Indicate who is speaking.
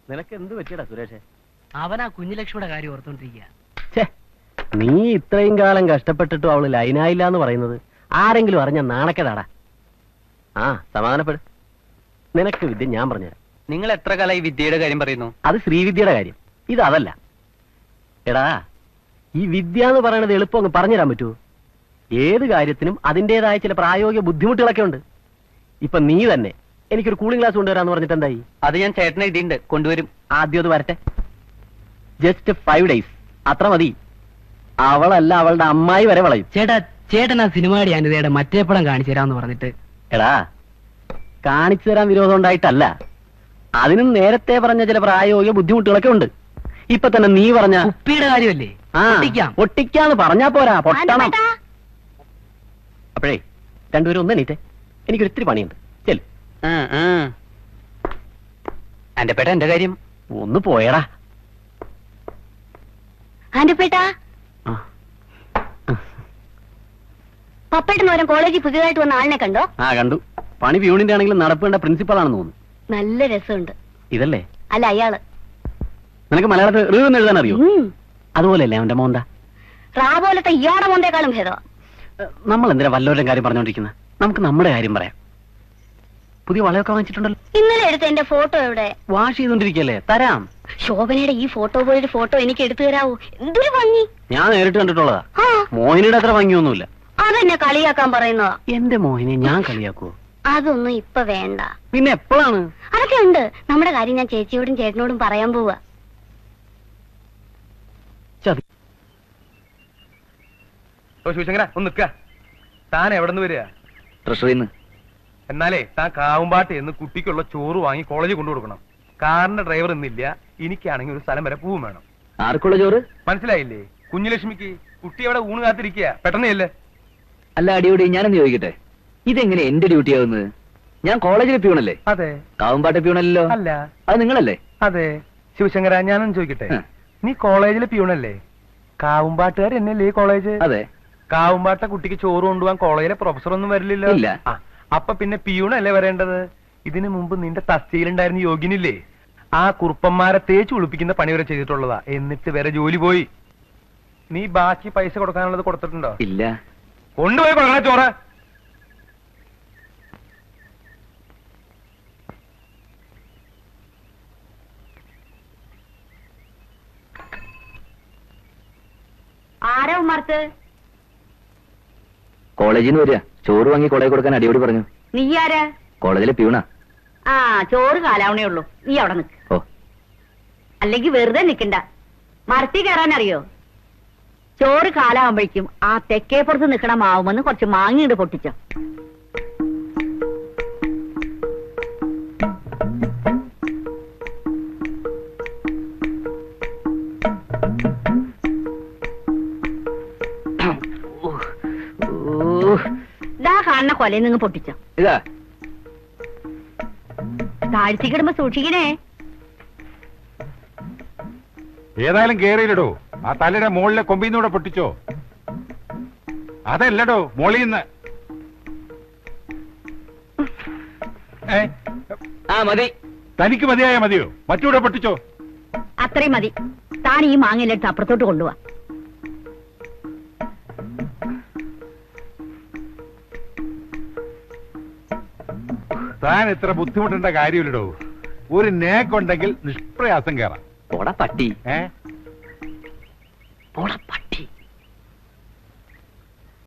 Speaker 1: നിനക്ക് എന്ത് പറ്റിയടാ സുരേഷേ?
Speaker 2: അവനാ കുഞ്ഞുലക്ഷ്മിയുടെ കാര്യം ഓർത്തോണ്ടിരിക്കുക.
Speaker 1: നീ ഇത്രയും കാലം കഷ്ടപ്പെട്ടിട്ടും അവള് ലൈനായില്ല എന്ന് പറയുന്നത് ആരെങ്കിലും അറിഞ്ഞ നാണക്കേടാടാ. ആ സമാധാനപ്പെടും. നിനക്ക് വിദ്യ ഞാൻ പറഞ്ഞുതരാം.
Speaker 3: നിങ്ങൾ എത്ര കാലമായി വിദ്യയുടെ കാര്യം പറയുന്നു?
Speaker 1: അത് ശ്രീവിദ്യയുടെ കാര്യം, ഇത് അതല്ല. എടാ, ഈ വിദ്യ എന്ന് പറയണത് എളുപ്പം അങ്ങ് പറഞ്ഞുതരാൻ പറ്റുമോ? ഏത് കാര്യത്തിനും അതിൻ്റെതായ ചില പ്രായോഗിക ബുദ്ധിമുട്ടുകളൊക്കെ ഉണ്ട്. ഇപ്പൊ നീ തന്നെ എനിക്കൊരു കൂളിംഗ് ഗ്ലാസ് കൊണ്ടുവരാന്ന് പറഞ്ഞിട്ട് എന്തായി?
Speaker 3: അത് ഞാൻ ചേട്ടനെ എഴുതിയിട്ടുണ്ട്, കൊണ്ടുവരും.
Speaker 1: ആദ്യം അത് വരട്ടെ. ജസ്റ്റ് 5 days അത്ര മതി. അവളല്ല അവളുടെ അമ്മായി വരെ വളയും.
Speaker 2: ചേട്ടൻ ആ സിനിമയുടെ അനിതയുടെ മറ്റേ പടം കാണിച്ചു തരാന്ന് പറഞ്ഞിട്ട്.
Speaker 1: എടാ, കാണിച്ചു തരാൻ വിരോധം ഉണ്ടായിട്ടല്ല, അതിനും നേരത്തെ പറഞ്ഞ ചില പ്രായോഗിക ബുദ്ധിമുട്ടുകളൊക്കെ ഉണ്ട്. ഇപ്പൊ തന്നെ നീ പറഞ്ഞ
Speaker 2: കുപ്പിയുടെ കാര്യമല്ലേ?
Speaker 1: പൊട്ടിക്കാന്ന് പറഞ്ഞാ പോരാ, പൊട്ടണം. അപ്പോഴേ രണ്ടുപേരും ഒന്ന് എണീറ്റേ, എനിക്കൊരു ഇത്തിരി പണിയുണ്ട്. ചെല്.
Speaker 3: എന്റെ പേട്ട എന്റെ കാര്യം
Speaker 1: ഒന്ന് പോയടാ.
Speaker 4: പപ്പേട്ടനോരം കോളേജിൽ പുതിയതായിട്ട് വന്ന ആളിനെ കണ്ടോ?
Speaker 1: ആ കണ്ടു. പണി പ്യൂണിന്റെ ആണെങ്കിലും നടപ്പേണ്ട പ്രിൻസിപ്പൾ ആണെന്ന് തോന്നുന്നു.
Speaker 4: നല്ല രസമുണ്ട്.
Speaker 1: ഇതല്ലേ?
Speaker 4: അല്ല, അയാള്.
Speaker 1: നിനക്ക് മലയാളത്തിൽ റീന്ന് എഴുതാൻ അറിയോ? അതുപോലെയല്ലേ അവന്റെ മോന്ത?
Speaker 4: റാ പോലത്തെ ഇയാടെ മോന്തേക്കാളും ഭേദം.
Speaker 1: നമ്മൾ എന്തിനാ വല്ലവരുടെ കാര്യം പറഞ്ഞോണ്ടിരിക്കുന്നത്? നമുക്ക് നമ്മുടെ കാര്യം പറയാം. പുതിയ വളയൊക്കെ വാങ്ങിച്ചിട്ടുണ്ടല്ലോ.
Speaker 4: ഇന്നലെ എടുത്ത എന്റെ ഫോട്ടോ എവിടെ?
Speaker 1: വാഷ് ചെയ്തോണ്ടിരിക്കല്ലേ, തരാം.
Speaker 4: ശോഭനയുടെ ഈ ഫോട്ടോ പോലൊരു ഫോട്ടോ എനിക്ക് എടുത്തു തരാവോ? എന്തൊരു ഭംഗി.
Speaker 1: ഞാൻ നേരിട്ട് കണ്ടിട്ടുള്ളതാ. മോഹിനിയുടെ അത്ര ഭംഗിയൊന്നുമില്ല.
Speaker 4: അതെന്നെ കളിയാക്കാൻ പറയുന്നതാ.
Speaker 1: എന്റെ മോഹിനെ ഞാൻ കളിയാക്കുവോ?
Speaker 4: അതൊന്നും ഇപ്പൊ വേണ്ട.
Speaker 1: പിന്നെ എപ്പോഴാണ്?
Speaker 4: അതൊക്കെ ഉണ്ട്. നമ്മുടെ കാര്യം ഞാൻ ചേച്ചിയോടും ചേട്ടനോടും പറയാൻ പോവാ.
Speaker 5: ശിവശങ്കര ഒന്ന് നിക്ക. താൻ എവിടെ നിന്ന് വരിക?
Speaker 3: ട്രഷറിന്ന്.
Speaker 5: എന്നാലേ താൻ കാവുമ്പാട്ട് എന്ന് കുട്ടിക്കുള്ള ചോറ് വാങ്ങി കോളേജിൽ കൊണ്ടു കൊടുക്കണം. കാറിന്റെ ഡ്രൈവർ ഇന്നില്ല. എനിക്കാണെങ്കിൽ ഒരു സ്ഥലം വരെ പൂവും വേണം.
Speaker 3: ആർക്കുള്ള ചോറ്?
Speaker 5: മനസ്സിലായില്ലേ? കുഞ്ഞുലക്ഷ്മിക്ക്. കുട്ടി അവിടെ ഊണ് കാത്തിരിക്കുക. പെട്ടെന്നല്ലേ?
Speaker 3: അല്ല അടിയോടി, ഞാനെന്ന് ചോദിക്കട്ടെ, ഇതെങ്ങനെ എന്റെ ഡ്യൂട്ടി ആവുന്നത്? ഞാൻ കോളേജിലെ പ്യൂണല്ലേ?
Speaker 5: അതെ.
Speaker 3: കാവുമ്പാട്ടെ പ്യൂണല്ലോ?
Speaker 5: അല്ല.
Speaker 3: അത് നിങ്ങളല്ലേ?
Speaker 5: അതെ. ശിവശങ്കര, ഞാനൊന്ന് ചോദിക്കട്ടെ, നീ കോളേജിലെ പ്യൂണല്ലേ? കാവുമ്പാട്ടുകാർ എന്നല്ലേ ഈ കോളേജ്?
Speaker 3: അതെ.
Speaker 5: കാവുമ്പാട്ട കുട്ടിക്ക് ചോറ് കൊണ്ടുപോകാൻ കോളേജിലെ പ്രൊഫസർ ഒന്നും വരില്ലല്ലോ?
Speaker 3: ഇല്ല.
Speaker 5: അപ്പൊ പിന്നെ പ്യൂണല്ലേ വരേണ്ടത്? ഇതിനു മുമ്പ് നിന്റെ തസ്തിയിലുണ്ടായിരുന്ന യോഗ്യനില്ലേ? ആ കുറുപ്പന്മാരെ തേച്ച് കുളിപ്പിക്കുന്ന പണി വരെ ചെയ്തിട്ടുള്ളതാ. എന്നിട്ട് വരെ ജോലി പോയി. നീ ബാക്കി പൈസ കൊടുക്കാനുള്ളത് കൊടുത്തിട്ടുണ്ടോ?
Speaker 3: ഇല്ല.
Speaker 5: കൊണ്ടുപോയി കൊടുക്കണ ചോറ്.
Speaker 4: ആരാ ഉമ്മർത്ത്?
Speaker 3: കോളേജിൽ നിന്ന് വരിക. ചോറ് വാങ്ങി കോളേജ് കൊടുക്കാൻ അടിയോടി പറഞ്ഞു.
Speaker 4: നീ ആരാ?
Speaker 3: കോളേജിലെ പ്യൂണാ.
Speaker 4: ആ, ചോറ് കാലാവണേ ഉള്ളൂ. നീ അവിടെ നിക്ക്.
Speaker 3: ഓ,
Speaker 4: അല്ലെങ്കിൽ വെറുതെ നിക്കണ്ട. മരത്തിൽ കയറാൻ അറിയോ? ചോറ് കാലാവുമ്പോഴേക്കും ആ തെക്കേപ്പുറത്ത് നിക്കണ മാവുമെന്ന് കുറച്ച് മാങ്ങിയിട്ട് പൊട്ടിച്ചോ. ഇതാ കാണുന്ന കൊലയിൽ നിന്ന് പൊട്ടിച്ചോ.
Speaker 3: ഇതാ
Speaker 4: താഴ്ത്തിക്കിടുമ്പോ സൂക്ഷിക്കണേ.
Speaker 6: ഏതായാലും കേറിയില്ലടോ. ആ തലയുടെ മുകളിലെ കൊമ്പിന്നൂടെ പൊട്ടിച്ചോ. അതല്ലടോ, മോളിന്ന്.
Speaker 3: ആ മതി.
Speaker 6: തനിക്ക് മതിയായ മതിയോ? മറ്റൂടെ പൊട്ടിച്ചോ.
Speaker 4: അത്രയും മതി. താൻ ഈ മാങ്ങയിലെടുത്ത് അപ്പുറത്തോട്ട് കൊണ്ടുപോവാ.
Speaker 6: താൻ ഇത്ര ബുദ്ധിമുട്ടേണ്ട കാര്യമില്ലടോ. ഒരു നേക്കുണ്ടെങ്കിൽ നിഷ്പ്രയാസം കയറാം.
Speaker 3: പോടാ പട്ടി.
Speaker 6: ഏ
Speaker 3: പോടാ പട്ടി.